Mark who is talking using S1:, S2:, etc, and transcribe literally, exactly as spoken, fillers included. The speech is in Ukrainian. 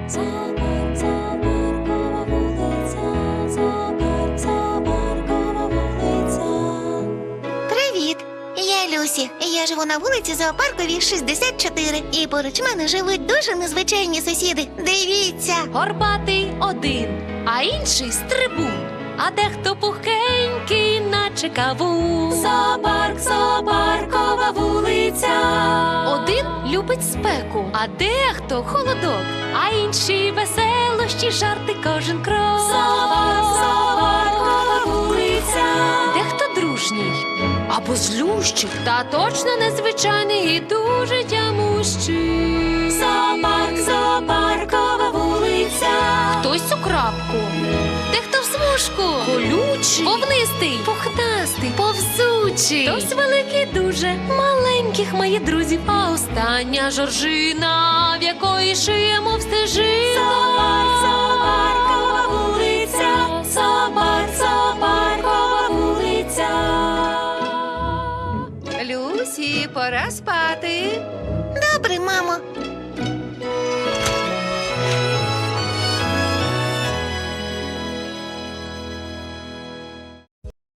S1: Зоопарк, зоопаркова вулиця, зоопарк, зоопаркова вулиця.
S2: Привіт! Я Люсі. Я живу на вулиці Зоопарковій шістдесят чотири. І поруч мене живуть дуже незвичайні сусіди. Дивіться!
S3: Горбатий один, а інший стрибун, а дехто пухкенький, наче кавун.
S1: Зоопарк, зоопаркова вулиця.
S3: Один любить спеку, а дехто холодок, а інші веселощі, жарти кожен крок.
S1: Зоопарк, зоопаркова вулиця.
S3: Дехто дружній або злющий, та точно незвичайний і дуже тямущий.
S1: Зоопарк, зоопаркова вулиця.
S3: Хтось у крапку, дехто в смужку, колючий, вовнистий, пухнастий, повзучий. Хтось великий дуже, маленьких має друзів. А остання жоржина, в якої шия, мов стежина.
S1: Зоопарк, зоопаркова вулиця. Зоопарк, зоопаркова вулиця.
S4: Люсі, пора спати.
S2: Добре, мамо.